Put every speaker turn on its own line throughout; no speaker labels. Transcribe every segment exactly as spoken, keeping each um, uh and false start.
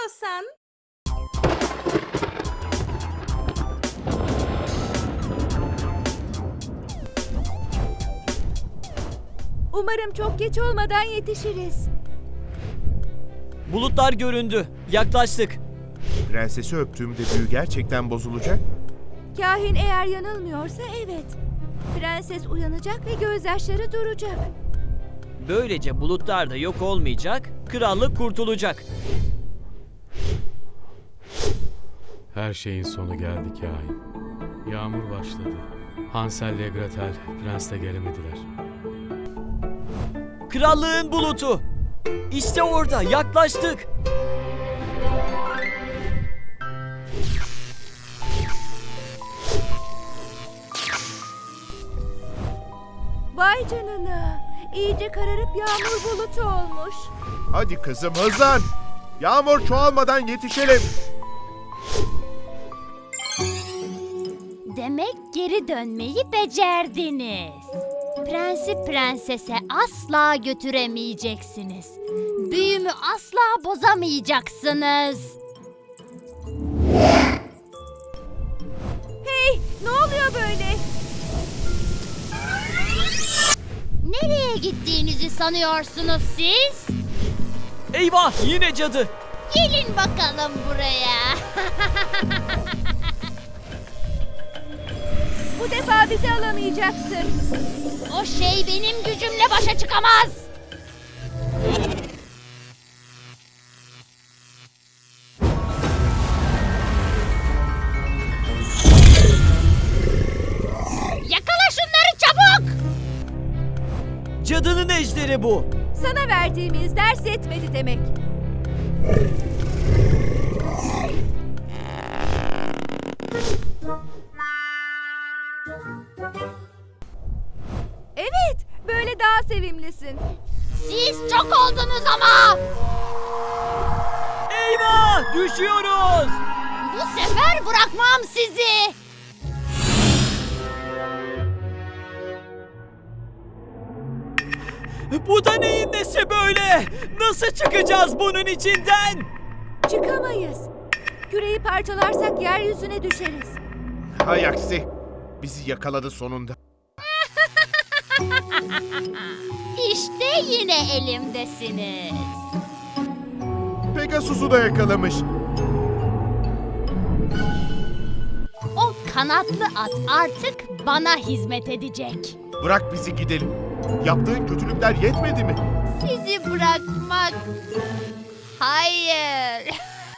istiyorsan.
Umarım çok geç olmadan yetişiriz.
Bulutlar göründü. Yaklaştık.
Prensesi öptüğümde büyü gerçekten bozulacak.
Kahin eğer yanılmıyorsa evet. Prenses uyanacak ve gözyaşları duracak.
Böylece bulutlar da yok olmayacak, krallık kurtulacak.
Her şeyin sonu geldi kahin. Yağmur başladı. Hansel ile Gretel prens de gelemediler.
Krallığın bulutu. İşte orada, yaklaştık.
Vay canına. İyice kararıp yağmur bulutu olmuş.
Hadi kızım hızlan. Yağmur çoğalmadan yetişelim.
Demek geri dönmeyi becerdiniz. Prensi prensese asla götüremeyeceksiniz. Büyümü asla bozamayacaksınız.
Hey, ne oluyor böyle?
Nereye gittiğinizi sanıyorsunuz siz?
Eyvah, yine cadı.
Gelin bakalım buraya.
Bu defa bizi alamayacaksın.
O şey benim gücümle başa çıkamaz. Yakala şunları çabuk.
Cadının ejderi bu.
Sana verdiğimiz ders yetmedi demek. Evet, böyle daha sevimlisin.
Siz çok oldunuz ama.
Eyvah, düşüyoruz.
Bu sefer bırakmam sizi.
Bu da neyin nesi böyle? Nasıl çıkacağız bunun içinden?
Çıkamayız. Küreyi parçalarsak yeryüzüne düşeriz.
Hay aksi. Bizi yakaladı sonunda.
İşte yine elimdesiniz.
Pegasus'u da yakalamış.
O kanatlı at artık bana hizmet edecek.
Bırak bizi gidelim. Yaptığın kötülükler yetmedi mi?
Sizi bırakmak... Hayır.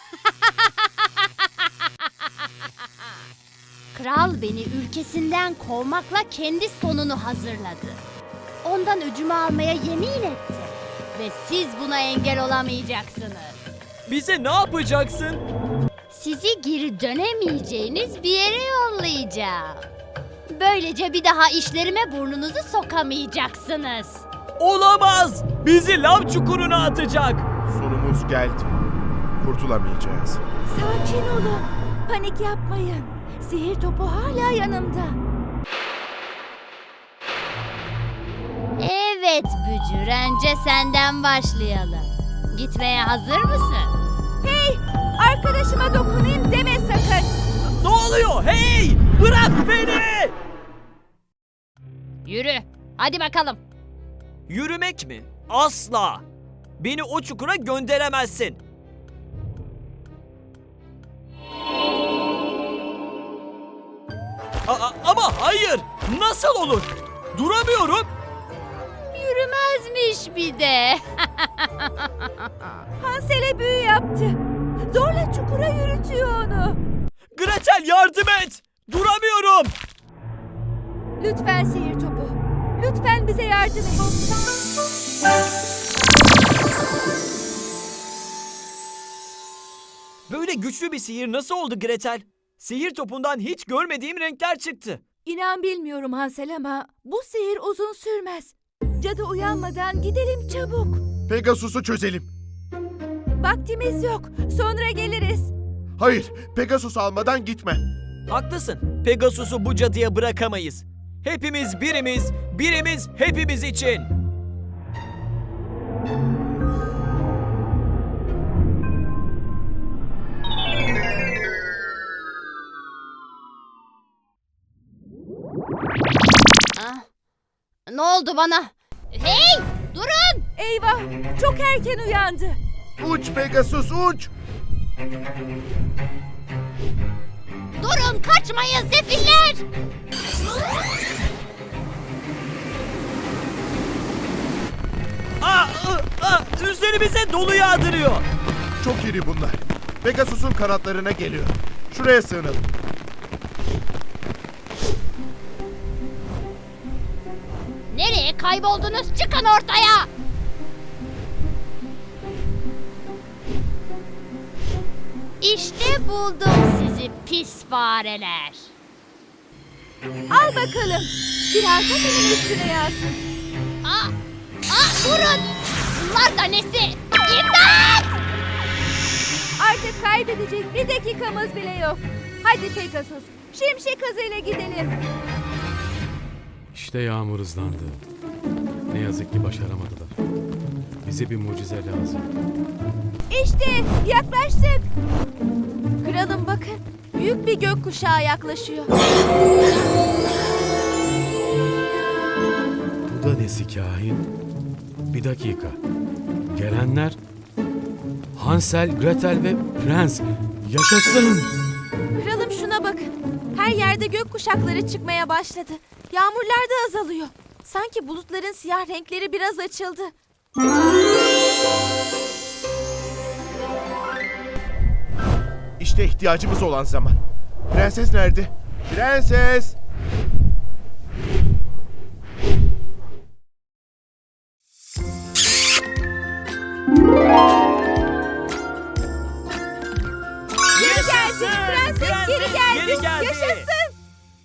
Kral beni ülkesinden kovmakla kendi sonunu hazırladı. Ondan öcümü almaya yemin etti. Ve siz buna engel olamayacaksınız.
Bize ne yapacaksın?
Sizi geri dönemeyeceğiniz bir yere yollayacağım. Böylece bir daha işlerime burnunuzu sokamayacaksınız.
Olamaz. Bizi lav çukuruna atacak.
Sonumuz geldi. Kurtulamayacağız.
Sakin olun. Panik yapmayın. Sihir topu hala yanımda.
Evet Bücür, önce senden başlayalım. Gitmeye hazır mısın?
Hey, arkadaşıma dokunayım deme sakın.
Ne oluyor? Hey! Bırak beni!
Yürü, hadi bakalım.
Yürümek mi? Asla! Beni o çukura gönderemezsin. A- ama hayır! Nasıl olur? Duramıyorum.
Yürümezmiş bir de.
Hansel'e büyü yaptı. Zorla çukura yürütüyor onu.
Gretel yardım et! Duramıyorum.
Lütfen sihir topu. Lütfen bize yardım et.
Böyle güçlü bir sihir nasıl oldu Gretel? Sihir topundan hiç görmediğim renkler çıktı.
İnan bilmiyorum Hansel ama bu sihir uzun sürmez. Cadı uyanmadan gidelim çabuk.
Pegasus'u çözelim.
Vaktimiz yok. Sonra geliriz.
Hayır, Pegasus almadan gitme.
Haklısın. Pegasus'u bu cadıya bırakamayız. Hepimiz birimiz, birimiz hepimiz için.
oldu bana. Hey! Durun!
Eyvah! Çok erken uyandı.
Uç Pegasus uç.
Durun kaçmayın sefiller!
Aa, ı, aa, üzerimize dolu yağdırıyor.
Çok iri bunlar. Pegasus'un kanatlarına geliyor. Şuraya sığınalım.
Nereye kayboldunuz? Çıkın ortaya! İşte buldum sizi pis fareler.
Al bakalım. Biraz da senin üstüne yağsın.
Aa, aa, durun! Bunlar da nesi? İmdat!
Artık kaybedecek bir dakikamız bile yok. Hadi Pegasus, şimşek hızıyla gidelim.
İşte yağmur hızlandı. Ne yazık ki başaramadılar. Bize bir mucize lazım.
İşte yaklaştık. Kralım bakın, büyük bir gökkuşağı yaklaşıyor.
Bu da nesi kahin? Bir dakika. Gelenler Hansel, Gretel ve Prens. Yaşasın!
Kralım şuna bakın. Her yerde gökkuşakları çıkmaya başladı. Yağmurlar da azalıyor. Sanki bulutların siyah renkleri biraz açıldı.
İşte ihtiyacımız olan zaman. Prenses nerede? Prenses!
Geri geldi. Prenses geri geldi.
Geri geldi.
Yaşasın.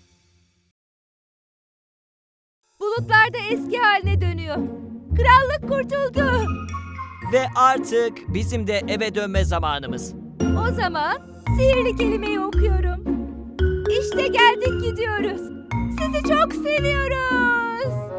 Bulutlar da eski haline dönüyor. Krallık kurtuldu.
Ve artık bizim de eve dönme zamanımız.
O zaman sihirli kelimeyi okuyorum. İşte geldik gidiyoruz. Sizi çok seviyoruz.